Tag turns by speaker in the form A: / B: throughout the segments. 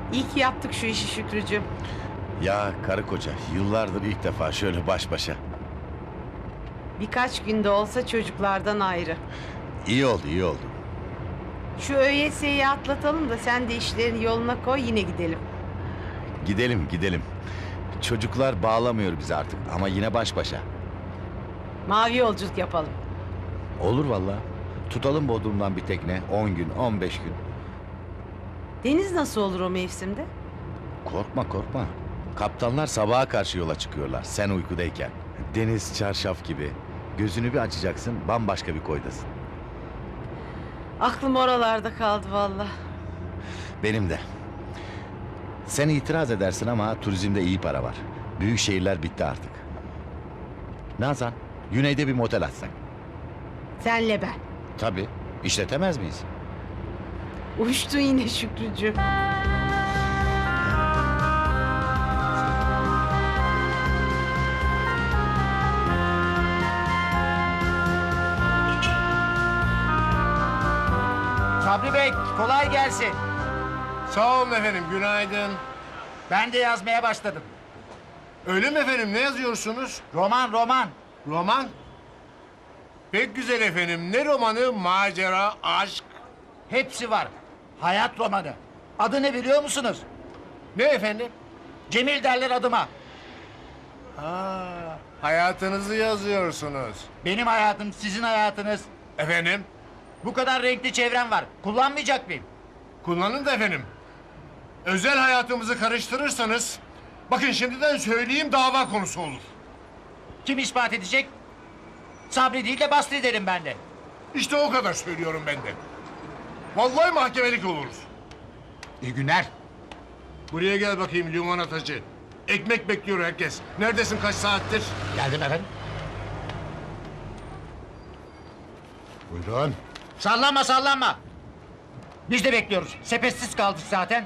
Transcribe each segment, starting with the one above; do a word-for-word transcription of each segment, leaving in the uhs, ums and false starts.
A: İyi ki yaptık şu işi Şükrücüğüm.
B: Ya karı koca yıllardır ilk defa şöyle baş başa.
A: Birkaç günde olsa çocuklardan ayrı.
B: İyi oldu iyi oldu.
A: Şu ÖYS'yi atlatalım da sen de işlerini yoluna koy, yine gidelim.
B: Gidelim gidelim. Çocuklar bağlamıyor bizi artık ama yine baş başa.
A: Mavi yolculuk yapalım.
B: Olur vallahi. Tutalım Bodrum'dan bir tekne on gün on beş gün.
A: Deniz nasıl olur o mevsimde?
B: Korkma korkma. Kaptanlar sabaha karşı yola çıkıyorlar sen uykudayken. Deniz çarşaf gibi. Gözünü bir açacaksın bambaşka bir koydasın.
A: Aklım oralarda kaldı vallahi.
B: Benim de. Sen itiraz edersin ama turizmde iyi para var. Büyük şehirler bitti artık. Nazan, güneyde bir motel açsak.
A: Senle ben.
B: Tabii. İşletemez miyiz?
A: Uçtun yine Şükrücüğüm.
C: Sabri Bey, kolay gelsin.
D: Sağ olun efendim, günaydın.
C: Ben de yazmaya başladım.
D: Öyle mi efendim, ne yazıyorsunuz?
C: Roman, roman.
D: Roman? Pek güzel efendim, ne romanı? Macera, aşk.
C: Hepsi var. Hayat romanı. Adı ne biliyor musunuz?
D: Ne efendim?
C: Cemil derler adıma.
D: Ha, hayatınızı yazıyorsunuz.
C: Benim hayatım, sizin hayatınız.
D: Efendim,
C: Bu kadar renkli çevrem var. Kullanmayacak mıyım?
D: kullanın da efendim. Özel hayatımızı karıştırırsanız... Bakın şimdiden söyleyeyim, dava konusu olur.
C: Kim ispat edecek? Sabri değil de Basri derim ben de.
D: İşte o kadar söylüyorum ben de. Vallahi mahkemelik oluruz.
C: İyi günler.
D: Buraya gel bakayım limonatacı. Ekmek bekliyor herkes. Neredesin, kaç saattir?
C: Geldim efendim.
D: Buyurun.
C: Sallanma, sallanma. Biz de bekliyoruz. Sepetsiz kaldık zaten.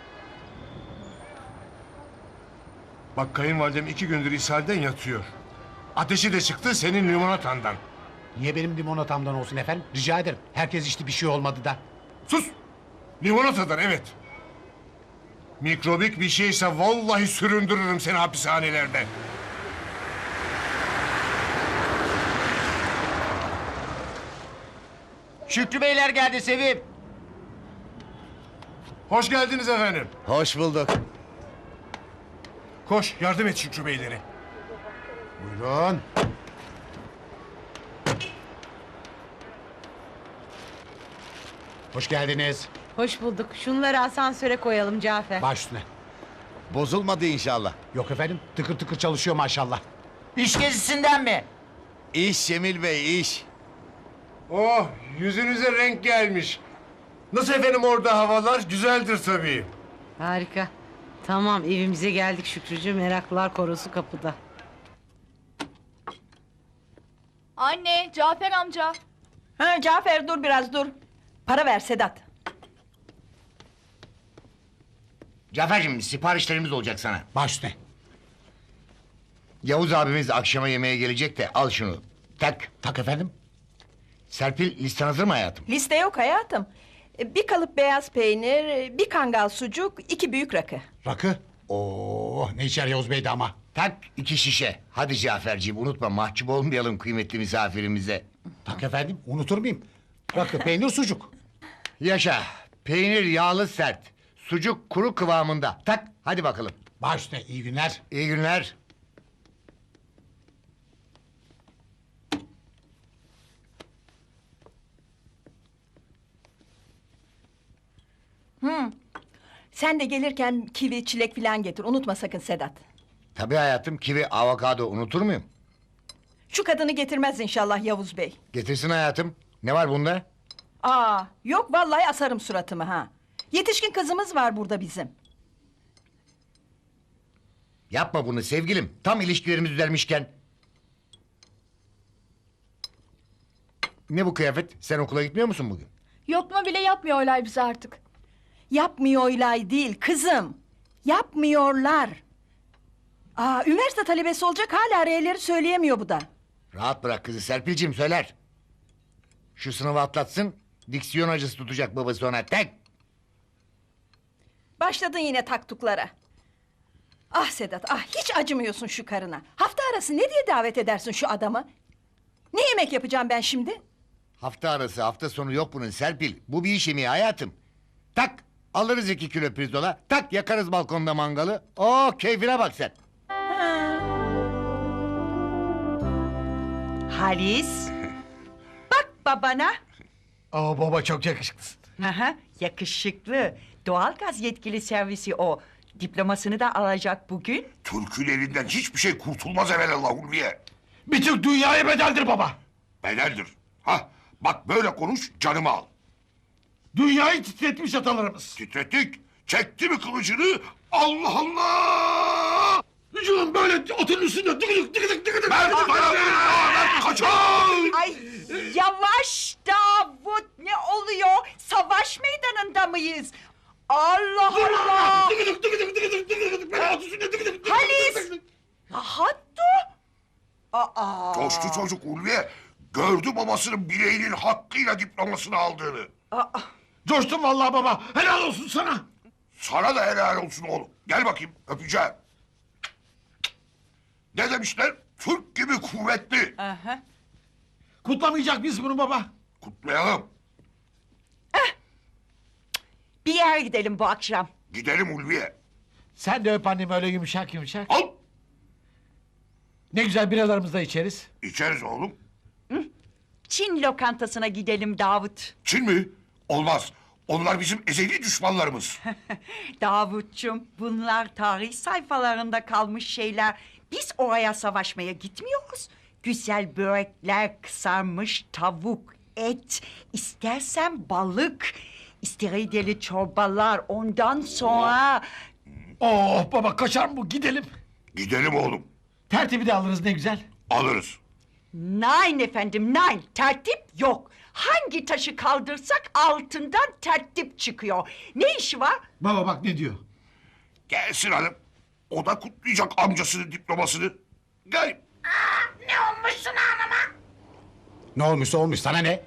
D: Bak kayınvalidem iki gündür ishalden yatıyor. Ateşi de çıktı senin limonatandan.
E: Niye benim limonatamdan olsun efendim? Rica ederim. Herkes içti, bir şey olmadı da.
D: Sus! Limonatadan evet. Mikrobik bir şeyse vallahi süründürürüm seni hapishanelerde.
C: Şükrü Beyler geldi Sevim.
D: Hoş geldiniz efendim.
B: Hoş bulduk.
D: Koş yardım et Şükrü Beylere.
E: Buyurun. Hoş geldiniz.
A: Hoş bulduk. Şunları asansöre koyalım Cafer.
E: Baş üstüne.
B: Bozulmadı inşallah.
E: Yok efendim, tıkır tıkır çalışıyor maşallah.
C: İş gezisinden mi?
B: İş Cemil Bey iş.
D: Oh yüzünüze renk gelmiş. Nasıl efendim orada havalar? Güzeldir tabii.
A: Harika. Tamam, evimize geldik Şükrücüğüm. Meraklılar korosu kapıda.
F: Anne, Cafer amca.
G: Ha Cafer, dur biraz dur. Para ver Sedat.
H: Cafer'cim siparişlerimiz olacak sana.
E: Baş üstüne.
H: Yavuz abimiz akşama yemeğe gelecek de al şunu. Tak.
E: Tak efendim.
H: Serpil listen hazır mı hayatım?
G: Liste yok hayatım. E, Bir kalıp beyaz peynir, e, bir kangal sucuk, iki büyük rakı.
E: Rakı. Oo, ne içer Yavuz Bey de ama.
H: Tak iki şişe. Hadi Cafer'ciğim unutma mahcup olmayalım kıymetli misafirimize.
E: Tak efendim, unutur muyum? Rakı, peynir, sucuk.
H: Yaşa. Peynir yağlı sert. Sucuk kuru kıvamında. Tak hadi bakalım.
E: Baş üstüne, iyi günler.
H: İyi günler.
G: Sen de gelirken kivi, çilek filan getir. Unutma sakın Sedat.
H: Tabii hayatım kivi avokado unutur muyum?
G: Şu kadını getirmez inşallah Yavuz Bey.
H: Getirsin hayatım. Ne var bunda?
G: Aa, yok vallahi asarım suratımı ha. Yetişkin kızımız var burada bizim.
H: Yapma bunu sevgilim. Tam ilişkilerimiz düzelmişken. Ne bu kıyafet? Sen okula gitmiyor musun bugün?
F: Yokma bile yapmıyorlar bize artık.
G: Yapmıyorlar değil kızım. Yapmıyorlar. Aa, üniversite talebesi olacak, hala R'leri söyleyemiyor bu da.
H: Rahat bırak kızı Serpil'cim söyler. Şu sınavı atlatsın. Diksiyon acısı tutacak babası ona. Tek.
G: Başladın yine taktuklara. Ah Sedat, ah hiç acımıyorsun şu karına. Hafta arası ne diye davet edersin şu adamı? Ne yemek yapacağım ben şimdi?
H: Hafta arası hafta sonu yok bunun Serpil. Bu bir iş yemeği hayatım. Tak alırız iki kilo pirzola. Tak yakarız balkonda mangalı. Oo keyfine bak sen.
I: Halis. Bak babana.
E: Aa baba çok yakışıklısın.
I: Aha, yakışıklı. Doğalgaz yetkili servisi o. Diplomasını da alacak bugün.
D: Türk'ün elinden hiçbir şey kurtulmaz evelallah Ulviye.
E: Bütün dünyaya bedeldir baba.
D: Bedeldir. Ha, bak böyle konuş canımı al.
E: Dünyayı titretmiş atalarımız.
D: Titrettik. Çekti mi kılıcını? Allah Allah!
E: Vücudum böyle otun üstünde dıgıdık dıgıdık dıgıdık.
D: Ben dayanamıyorum. Ben kaçar.
I: Ay yavaş Davut, ne oluyor? Savaş meydanında mıyız? Allah Allah!
E: Dıgıdık dıgıdık dıgıdık dıgıdık. Ben otun üstünde dıgıdık dıgıdık.
I: Halis! Rahat dur! Aa!
D: Coştu çocuk Ulviye. Gördü babasının bileğinin hakkıyla diplomasını aldığını.
I: Aa!
E: Coştum vallahi baba. Helal olsun sana.
D: Sana da helal olsun oğlum. Gel bakayım öpeceğim. Ne demişler? Türk gibi kuvvetli.
I: Aha.
E: Kutlamayacak mıyız bunu baba?
D: Kutlayalım.
I: Bir yere gidelim bu akşam.
D: Gidelim Ulviye.
E: Sen de öp annemi öyle yumuşak yumuşak.
D: Al.
E: Ne güzel biralarımızı da içeriz.
D: İçeriz oğlum.
I: Çin lokantasına gidelim Davut.
D: Çin mi? Olmaz. Onlar bizim ezeli düşmanlarımız.
I: Davutçum, bunlar tarih sayfalarında kalmış şeyler. Biz oraya savaşmaya gitmiyoruz. Güzel börekler, kızarmış tavuk, et, istersen balık, istiridye çorbalar, ondan sonra...
E: Oh baba kaçar mı bu? Gidelim.
D: Gidelim oğlum.
E: Tertibi de alırız ne güzel.
D: Alırız.
I: Nein efendim, nein. Tertip yok. Hangi taşı kaldırsak altından tertip çıkıyor. Ne işi var?
E: Baba bak ne diyor.
D: Gelsin hanım. O da kutlayacak amcasının diplomasını. Gel.
E: Ne olmuşsa olmuş sana ne?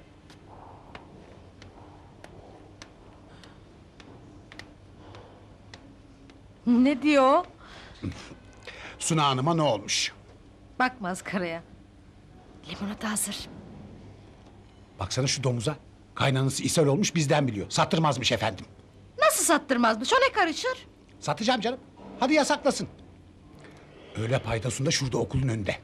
A: Ne diyor?
E: Suna Hanım'a ne olmuş?
A: Bak maskaraya. Limonata hazır.
E: Baksana şu domuza. Kaynanası ishal olmuş bizden biliyor. Sattırmazmış efendim.
A: Nasıl sattırmazmış? O ne karışır?
E: Satacağım canım. Hadi yasaklasın. Öğle paydasında şurada okulun önünde.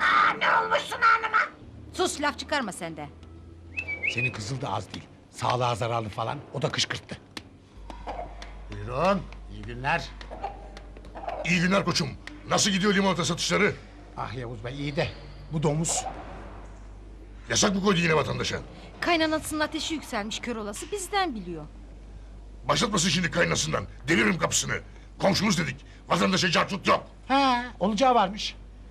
A: Sus, laf çıkarma sen de.
E: Senin kızıl da az değil. Sağlığa zararlı falan. O da kışkırttı.
D: Buyurun.
E: İyi günler.
D: İyi günler koçum. Nasıl gidiyor limonata satışları?
E: Ah Yavuz Bey iyi de bu domuz.
D: Yasak mı koydu yine vatandaşa?
A: Kaynanasının ateşi yükselmiş, kör olası bizden biliyor.
D: Başlatmasın şimdi kaynasından. Deviririm kapısını. Komşumuz dedik. Vatandaşa cartut yok.
E: Ha, olacağı varmış.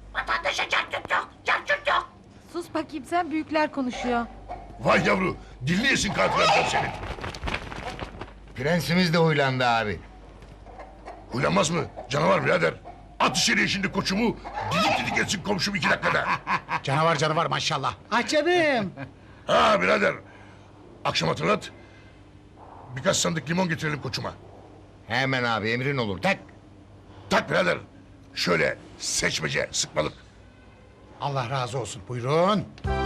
A: Sus bakayım, sen, büyükler konuşuyor.
D: Vay yavru. Dilini yesin katil adam senin.
H: Prensimiz de huylandı abi.
D: Huylanmaz mı? Canavar birader. At içeriye şimdi koçumu. Didik didik etsin komşum iki dakikada.
E: Canavar canavar maşallah. Ah canım.
D: Ha birader. Akşam hatırlat. Birkaç sandık limon getirelim koçuma.
H: Hemen abi emrin olur. Tak.
D: Tak birader. Şöyle seçmece sıkmalık.
E: Allah razı olsun. Buyurun.